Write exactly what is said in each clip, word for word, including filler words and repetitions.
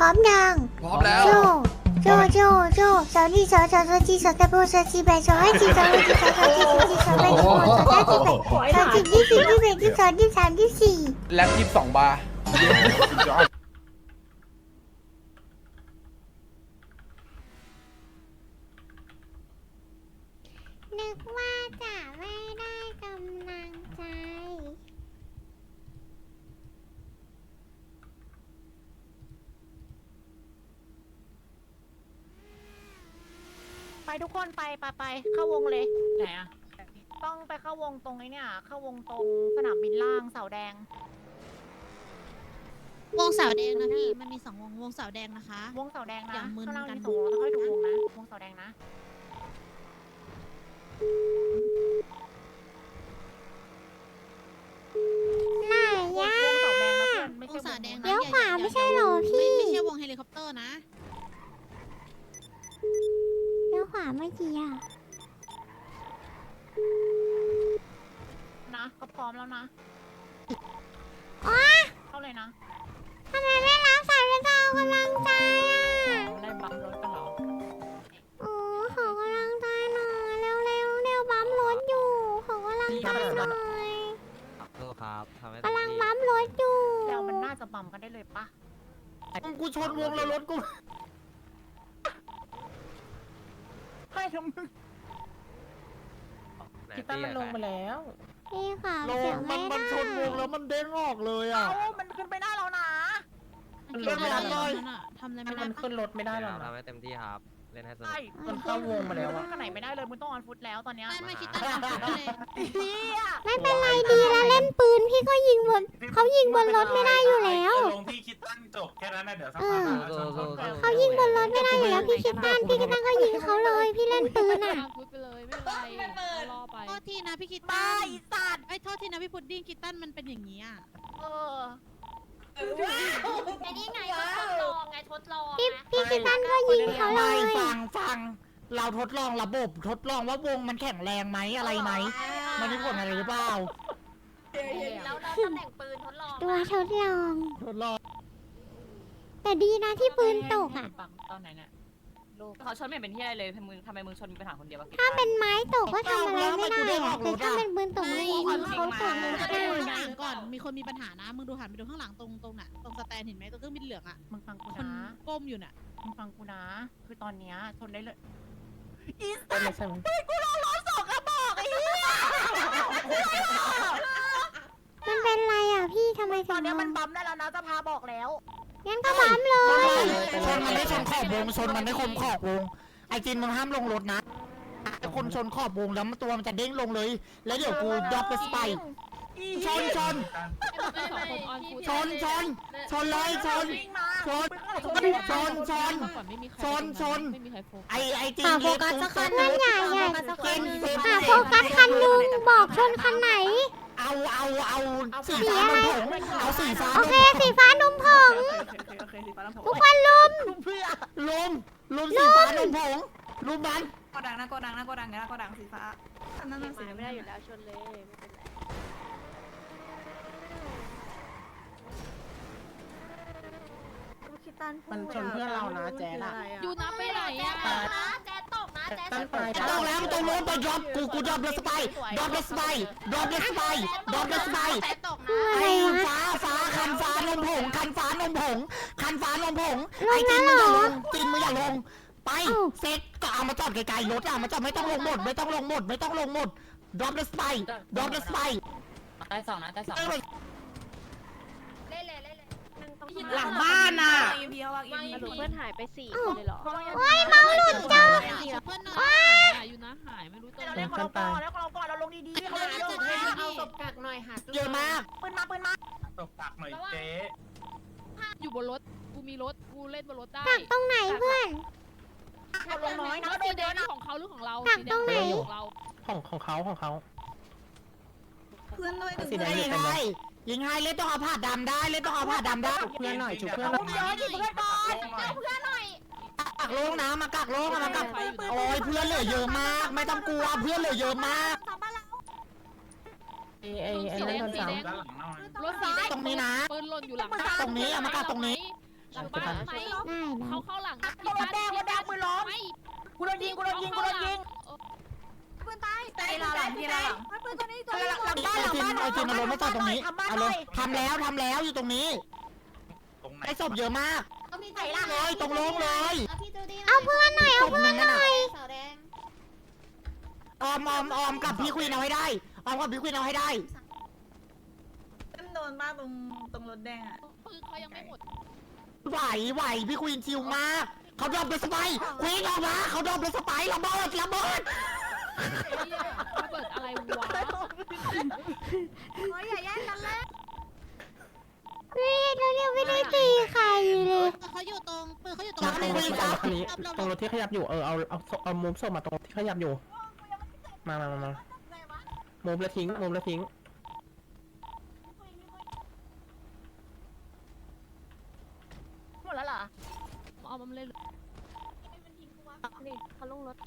ร้อมยังพร้อมแล้วโจโจโจโจสาวนี่สาวสาวสาวจีสาวตะโบสาวจีแบสาวให้จีสาวให้จีสาวสาวจีสาวจีสาวแบสาวสาวจีแบสาวจีที่สี่ที่แบที่สองที่สามที่สี่แล็บยี่สิบสองบาร์นึกว่าจะไม่ได้กำลังใจไปทุกคนไปไปไปเข้าวงเลยไหนอะต้องไปเข้าวงตรงไอ้เนี่ยเข้าวงตรงสนามบินล่างเสาแดงวงเสาแดงนะพี่ มันมีสองวง วงเสาแดงนะคะวงเสาแดงนะอย่ามึนข้างล่างกันมีสองวงแล้วค่อยดูวงนะวงเสาแดงนะไหนวงย่าวงเสาแดงนะเพื่อนไม่วใช่งเสาแดงนะเลี้ยวขวาอย่ไม่ใช่เหรอพี่ไม่ไม่ใช่วงเฮลิคอปเตอร์นะเลี้ยวขวาเมื่อกี้อ่ะนะก็พร้อมแล้วนะอ๋อเข้าเลยนะทำไมไม่รับสายเป็นเรากำลังใจอ่ะได้บัมรถกันเหรอโอ้ขอกำลังใจหน่อยเร็วเร็วเร็วบัมรถอยู่ขอกำลังใจหน่อยขอโทษครับทำให้กำลังบัมรถอยู่แล้วมันน่าจะบัมกันได้เลยปะกูชนวงแล้วรถกูให้ทำมึงคิดตั้งมันลงไปแล้วพี่ค่ะลเสีงยงมัไม่นได้มันชนวงแล้วมันเด้งออกเลยอ่ะเอ้ามันขึ้นไปได้แล้วนะมันเล่นไม่ได้เลยทำอะไรไม่ได้มันปะขึ้นรถไม่ได้หรอกทำให้เต็มที่ครับ เล่นให้สนุกใช่มันเข้าวงมาแล้วขึ้อะนขนาดไหนไม่ได้เลยมึงต้องออนฟุตแล้วตอนเนี้ยไม่ไม่คิดตั้งแต่เลยเฮียไม่เป็นไรดีแล้วเล่นปืนพี่ก็ยิงบนเขายิงบนรถไม่ได้อยู่แล้วลงที่คิดตั้งจบแค่นั้นนะเดี๋ยวสักเอพักอชนชนชนเขายิงบนรถไม่ได้อยู่แล้วพี่คิดตันพี่คิดตันก็ยิงเขาเลยพี่เล่นปืนอ่ะพูดไปเลยไม่เป็นไรรอไปโทษทีนะพี่คิดตาตั้ยนสัตว์ไอ้ยโทษทีนะพี่พุดดิ้งคิดตั้นมันเป็นอย่างนี้อ่ะเออไอ้นี่ไงก็ทดลองไงทดลองพี่นะพี่คิดตันก็ยิงเขาเลไม่ยฟังฟังเราทดลองระบบทดลองว่าวงมันแข็งแรงไหมอะไรไหมมันมีผลอะไรหรือเปล่าแล้วแล้วตำแหน่งปืนทดลองตัวทดลองทดลองแต่ดีนะที่ปืนตกอ่ะปังตอนไหนเนี่ยลูกเขาชนไม่เป็นที่อะไรเลยทำไมมึงทำไมมึงชนมีปัญหาคนเดียววะถ้าเป็นไม้ตกก็ทำอะไรไม่ได้อะแต่ถ้าเป็นปืนตกไม่ยิงเขาตกมึไม่งจะไปได้ดูข้างหลังก่อน มีคนมีปัญหานะ มึงดูหันไปดูข้างหลังตรงตรงน่ะ ตรงสแตนเห็นไหมตรงเครื่องบินเหลืองอ่ะมึงฟังกูคนนะก้มอยู่น่ะมึงฟังกูนะ คือตอนเนี้ยชนได้เลยไม่ใช่มันเป็นไรอ่ะพี่ทำไมตถึอนงเนี้ยลมันงบัมได้แล้วนะจะพาบอกแล้วงั้นก็บัมเลยชนมันได้ชนขอบวงชนมันได้คมขอบวงไอจินมึงห้ามลงรถนะไอคนชนขอบวงแล้วมันตัวมันจะเด้งลงเลย แล้วเดี๋ยวกูดรอปไปสไปชนชนสองคนออนฟูชนชนชนเลยชนวิ่งมาชนชนชนก่อนไม่มีใครชนชนไม่มีใครโฟกัสไอไอจินหาโฟเล็กกัสตุ้สักคัเต้นนนั่นใหญ่ใหญ่เต้นเต้นหาโฟกัสคันหนึ่งบอกชนคันไหนเอาเอาเอาสีฟ้านมผงเอาสีฟ้าโอเคสีฟ้านมผงทุกคนลุมลุมลุมสีฟ้านมผงลุมมันโกดังนะโกดังนะโกดังนะโกดังสีฟ้านั่นน่ะสีไม่ได้อยู่แล้วชนเลยไม่เป็นไรมันชนเพื่อนเรานะแจ๊ดอะยูนะไปไหนแจ๊อ่ะตกนะแจ๊ตกนะแจ๊ตั้งตไปกต้องแล้วต้องโน้นไปดรอปกูกูดรอปเลสไปดรอปเลสไปดรอปเลสไปดรอปเลสไปแจ๊ตกคือนะอะไรไอ้วะฟ้าฟ้าคันฟ้านมผงคันฟ้านมผงคันฟ้านมผงลงไอ้จินแล้วมึงเหรอย่าอลงจินมึงอย่าลงไปเอ้าเซ็ตก็เอามาจอดไกลๆรถอะมาจอดไม่ต้องลงหมดไม่ต้องลงหมดไม่ต้องลงหมดดรอปเลสไปดรอปเลสไปได้สองนะได้สองเล่นเลยเล่นเลยหนึ่งต้องหลังบ้านน่ะเพื่อนหายไปสี่คนเลยเหรอโอ้ยเมาหลุดจ้าเพื่อนหน่อหายอ่ะยูนะหายไม่รู้ตัวเราเล่นของเราก่อนแล้วของเราก่อนเราลงดีๆเขาลงดีๆเอาศพกักหน่อยหาเยอะมากปืนมาปืนมาตกตักหน่อยเจ๊อยู่บนรถกูมีรถกูเล่นบนรถได้กักตรงไหนเพื่อนเราลงน้อยนะแล้วโดสีนแดเยงอะนี่นะของเขาหรือของเรากักตรงไหนของเราของของเขาของเขาเพื่อนด้วยสีแดงยิอยู่งเต็มเลให้ยยิงให้เล่นต้องเอาผ้าดำได้เล่นต้องเอาผ้าดำได้เพื่อนหน่อยฉุกเพื่อนผมเยอะดิเพื่อนก่อนเอาเพื่อนหน่อยกักโลงนะมากักโลงมากักโอ้ยเพื่อนเหลือเยอะมาก ไม่ต้องกลัวเพื่อนเหลือเยอะมากไอ้ไอ้ไอ้นั่นโดนสามด้านหลังหน่อยรถสีแดงตรงนี้นะปืนหล่นอยู่หลังตรงนี้เอามากักตรงนี้ชูบ้านไหมได้ได้เขาเข้าหลังโดนแดงโดนแดงมือล้อมไม่กูโดนยิงกูโดนยิงกูโดนยิงปืนตายตายหลังที่หลังปืนตัวนี้ตัวหลังหลังบ้านไอหลังจินบ้านไอจินเอารถมาจอดตรงนี้ทำบ้านเอาหเลน่อย ยทำแล้วทำแล้วอยู่ตรงนี้ตรงไหนไอศพเยอะมากไหนล่ะเลยตรงโล่งเลยเอาพี่จูดี้เอาเพื่อนหน่อยเอาเพื่อนหน่อยสาวแดงออมออมออมกับพี่ควีนเอาให้ได้ออมกับพี่ควีนเอาให้ได้เต็มโดนบ้านตรงตรงรถแดงอ่ะปืนเขายังไม่หมดไหวไหวพี่ควีนชิวมากเขาดรอปเป็นสไปร์ควีนออกมาเขาดรอปเป็นสไปร์ระเบิดระเบิดระเบิดอะไรวะเฮ้ยอย่าแย่งกันเลยนี่เราเนี่ยไม่ได้ตีใครเลยเขาอยู่ตรงปืนเขาอยู่ตรงตรงรถตรงรถคันนี้ตรงรถที่ขยับอยู่เออเอาเอาเอามุมส่งมาตรงที่ขยับอยู่ มามามามามุมแล้วทิ้งมุมแล้วทิ้งหมดแล้วเหรอเอามันเลยนี่เขาลงรถ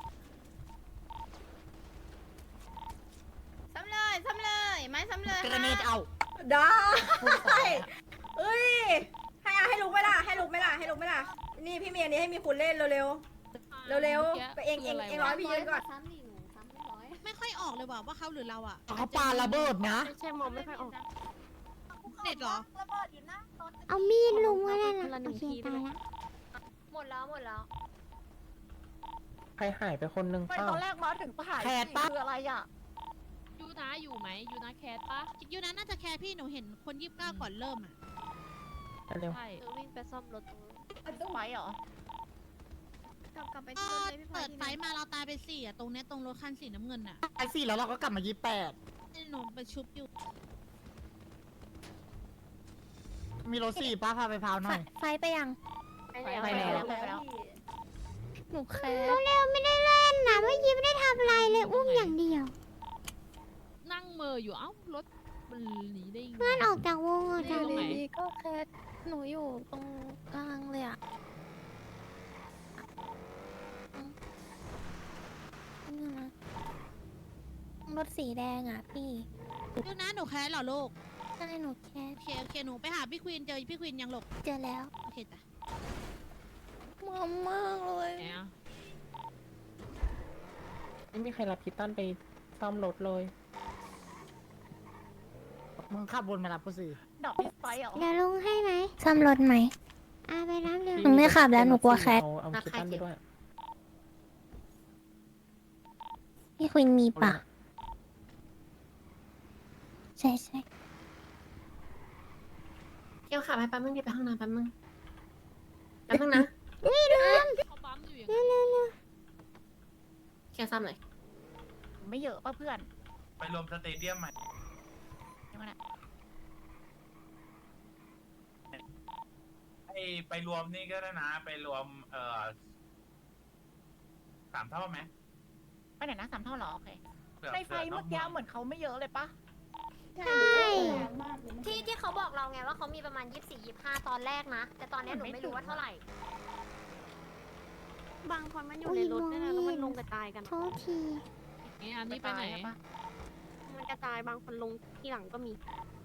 ซ้ำเลยซ้ำเลยไม้ซ้ำเลยเกรเนตเอาได้เอ้ยให้อาให้ลุกไหมล่ะให้ลุกไหมล่ะให้ลุกไหมล่ะนี่พี่เมียนี้ให้มีคุณเล่นเร็วเร็วเร็วเร็วๆไปเองเองเองร้อยพี่ยืนก่อนซ้ำดิหนูซ้ำเรียบร้อยไม่ค่อยออกเลยว่ะว่าเขาหรือเราอ่ะเขาปาระเบิดนะไม่ใช่มองไม่ค่อยออกเด็ดเหรอเอามีดลุงมาแล้วนะโอเคตายละหมดแล้วหมดแล้วใครหายไปคนนึงไม่เปล่าตอนแรกมาถึงผ่านคืออะไรอ่ะยูนะอยู่ไหมยูนะแคทปะยูนั้นน่าจะแคร์พี่หนูเห็นคนยี่สิบเก้าก่อนเริ่มอ่ะเร็วใช่เออวิ่งไปซ่อมรถตรงนู้นต้องไหมเหรอกลับกลับไปก็ที่รถเลยพี่พลอเปิยดไฟมาเราตายไปสี่อ่ะตรงเนี้ยตรงรถคันสีน้ำเงินอ่ะไอสี่แล้วเราก็กลับมายี่แปดหนูไปชุบอยู่มีรถสี่ป้าพาไปพาวหน่อยไฟไปยังไปแล้วไปแล้วไปแล้วหนูแคร์เร็วๆไม่ได้เล่นนะเมื่อกี้ไม่ได้ทำอะไรเลยอุ้มอย่างเดียวนั่งเมออยู่เอ้ารถมันหนีได้ยังไงเพื่อนออกจากวงออกจากตรงไหนก็แค่หนูอยู่ตรงกลางเลยอ่ะนี่นะรถสีแดงอ่ะพี่ยูนะหนูแคร์เหรอลูกใช่หนูแคร์โอเคโอเคหนูไปหาพี่ควีนเจอพี่ควีนยังหลบเจอแล้วโอเคจ้ะมอมมากเลยไหนอะไม่มีใครรับพิตันไปซ่อมรถเลยมึงขับวนมารับกูสิดอกพิสไฟเหรอเดี๋ยวลุงให้ไหมซ่อมรถไหมอาไปรับเร็วพี่หนูไม่ขับแล้วหนูกลัวแคทเอาเอาพิตันไปด้วยพี่ควินมีปะใช่ใช่เกี่ยวขาไปแป๊บนึงดิไปห้องน้ำแป๊บนึงแป๊บนึงนะนี่ลืมเขาปั๊มอยู่อย่างเร็วเร็วเร็วเกี่ยวซ้ำหน่อยไม่เยอะป่ะเพื่อนไปรวมสเตเดียมใหม่ยังไงนะไอไปรวมนี่ก็ได้นะ ไปรวมเอ่อสามเท่าไหมไปไหนนะสามเท่าเหรอโอเคเผื่อในไฟผื่เมื่อกี้เหมือนเขาไม่เยอะเลยปะใช่ที่ที่เขาบอกเราไงว่าเขามีประมาณยี่สิบสี่ยี่สิบห้าตอนแรกนะ แต่ตอนนี้หนูไม่รู้ว่าเท่าไหร่ บางคนมันอยู่ในรถด้วยนะแล้วมันลงกระจายกันโทษทีนี้อันนี้ไปไหนปะมันกระจายบางคนลงที่หลังก็มี